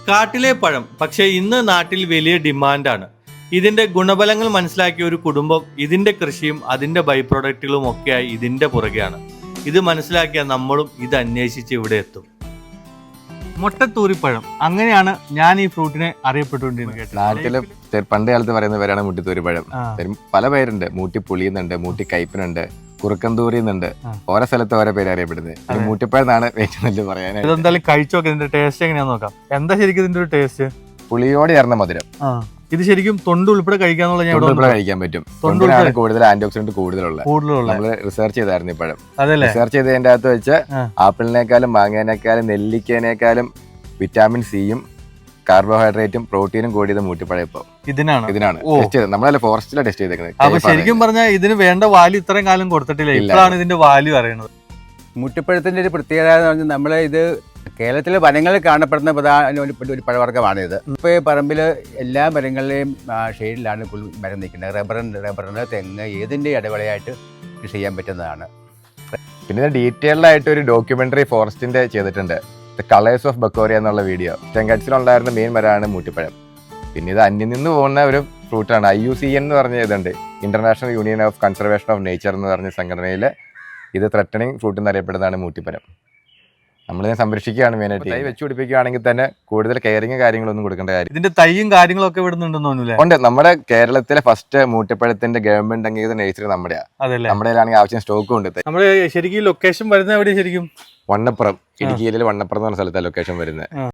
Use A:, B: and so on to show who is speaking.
A: കാട്ടിലെ പഴം പക്ഷേ ഇന്ന് നാട്ടിൽ വലിയ ഡിമാൻഡാണ്. ഇതിന്റെ ഗുണഫലങ്ങൾ മനസ്സിലാക്കിയ ഒരു കുടുംബം ഇതിന്റെ കൃഷിയും അതിന്റെ ബൈ പ്രൊഡക്റ്റുകളും ഒക്കെയായി ഇതിന്റെ പുറകെയാണ്. ഇത് മനസ്സിലാക്കിയ നമ്മളും ഇത് അന്വേഷിച്ച് ഇവിടെ എത്തും. മുട്ടത്തൂരിപ്പഴം, അങ്ങനെയാണ് ഞാൻ ഈ ഫ്രൂട്ടിനെ അറിയപ്പെട്ടുകൊണ്ടിരുന്നത്.
B: നാട്ടില് പണ്ട് കാലത്ത് പറയുന്ന പേരാണ് മുട്ടിത്തൂരിപ്പഴം. പല പേരുണ്ട്. മൂട്ടി പുളിയുന്നുണ്ട്, മൂട്ടി കയ്പനുണ്ട്, കുറുക്കന്തൂരി എന്നുണ്ട്. ഓരോ സ്ഥലത്ത് ഓരോ പേര് അറിയപ്പെടുന്നത്. മൂട്ടിപ്പഴം എന്നാണ് ഏറ്റവും നല്ല പറയാനായിട്ട്.
A: ഇതെന്തായാലും കഴിച്ചു നോക്കാം, ഇതിന്റെ ടേസ്റ്റ് എങ്ങനെയാന്ന് നോക്കാം. എന്താ ശരിക്കും ഇതിന്റെ ഒരു ടേസ്റ്റ്?
B: പുളിയോട് ചേർന്ന മധുരം.
A: ഇത് ശരിക്കും തൊണ്ട് ഉൾപ്പെടെ കഴിക്കാന്നുള്ള
B: കഴിക്കാൻ പറ്റും. തൊണ്ടിലാണ് കൂടുതൽ ആന്റി ഓക്സിഡന്റ് കൂടുതലുള്ള. നമ്മള് റിസർച്ച് ചെയ്തായിരുന്നു ഈ പഴം. റിസർച്ച് ചെയ്തതിന്റെ അകത്ത് വെച്ച് ആപ്പിളിനേക്കാളും മാങ്ങേനേക്കാളും നെല്ലിക്കേനേക്കാളും വിറ്റാമിൻ സിയും കാർബോഹൈഡ്രേറ്റും പ്രോട്ടീനും കൂടിയത് മൂട്ടിപ്പഴം. ഇപ്പൊ ഇതിനാണ് ടെസ്റ്റ് ചെയ്തത്. നമ്മളല്ല ഫോറസ്റ്റിലാണ് ടെസ്റ്റ് ചെയ്തേക്കുന്നത്.
A: അപ്പൊ ശരിക്കും പറഞ്ഞാൽ ഇതിന് വേണ്ട വാല്യൂ ഇത്രയും കാലം കൊടുത്തിട്ടില്ല. ഇപ്പോഴാണ് ഇതിന്റെ വാല്യൂ അറിയണത്.
C: മുട്ടിപ്പഴത്തിന്റെ ഒരു പ്രത്യേകത എന്ന് പറഞ്ഞാൽ നമ്മളെ ഇത് കേരളത്തിലെ വനങ്ങളിൽ കാണപ്പെടുന്ന പ്രധാന ഒരു പഴവർഗ്ഗമാണിത്. ഇപ്പോൾ ഈ പറമ്പിൽ എല്ലാ മരങ്ങളിലെയും ഷെയ്ഡിലാണ് മരം നിൽക്കുന്നത്. റബ്ബറിന് തെങ്ങ് ഏതിൻ്റെ ഇടവേളയായിട്ട് കൃഷി ചെയ്യാൻ പറ്റുന്നതാണ്.
B: പിന്നെ ഡീറ്റെയിൽഡ് ആയിട്ട് ഒരു ഡോക്യുമെന്ററി ഫോറസ്റ്റിന്റെ ചെയ്തിട്ടുണ്ട്. ദ കളേഴ്സ് ഓഫ് ബക്കോറിയ എന്നുള്ള വീഡിയോ. ചെങ്കച്ചിലുണ്ടായിരുന്ന മെയിൻ മരമാണ് മൂട്ടിപ്പഴം. പിന്നെ ഇത് അന്യം നിന്ന് പോകുന്ന ഒരു ഫ്രൂട്ടാണ്. IUCN എന്ന് പറഞ്ഞ ഇതുണ്ട്, international union of conservation of nature എന്ന് പറഞ്ഞ സംഘടനയിൽ ഇത് ത്രെട്ടണിങ് ഫ്രൂട്ട് എന്നറിയപ്പെടുന്നതാണ് മൂട്ടിപ്പഴം. നമ്മളിതിനെ സംരക്ഷിക്കുകയാണ് മെയിനായിട്ട്. തൈ വെച്ച് പിടിപ്പിക്കുകയാണെങ്കിൽ തന്നെ കൂടുതൽ കെയറിങ് കാര്യങ്ങളൊന്നും കൊടുക്കേണ്ട കാര്യം.
A: ഇതിന്റെ തൈയും കാര്യങ്ങളൊക്കെ ഇവിടുന്നുണ്ടെന്ന് തോന്നുന്നില്ല.
B: ഉണ്ട്. നമ്മുടെ കേരളത്തിലെ ഫസ്റ്റ് മൂട്ടിപ്പഴത്തിന്റെ ഗവൺമെന്റ് അംഗീകൃത നഴ്സറി നമ്മുടെയാണ്. നമ്മുടെ ആവശ്യം സ്റ്റോക്കും ഉണ്ട്.
A: നമ്മുടെ ശരിക്കും ലൊക്കേഷൻ വരുന്നത് എവിടെ? ശരിക്കും
B: വണ്ണപ്പുറം, ഇടുക്കിയിലെ വണ്ണപ്പുറം എന്ന് പറഞ്ഞ സ്ഥലത്താണ് ലൊക്കേഷൻ വരുന്നത്.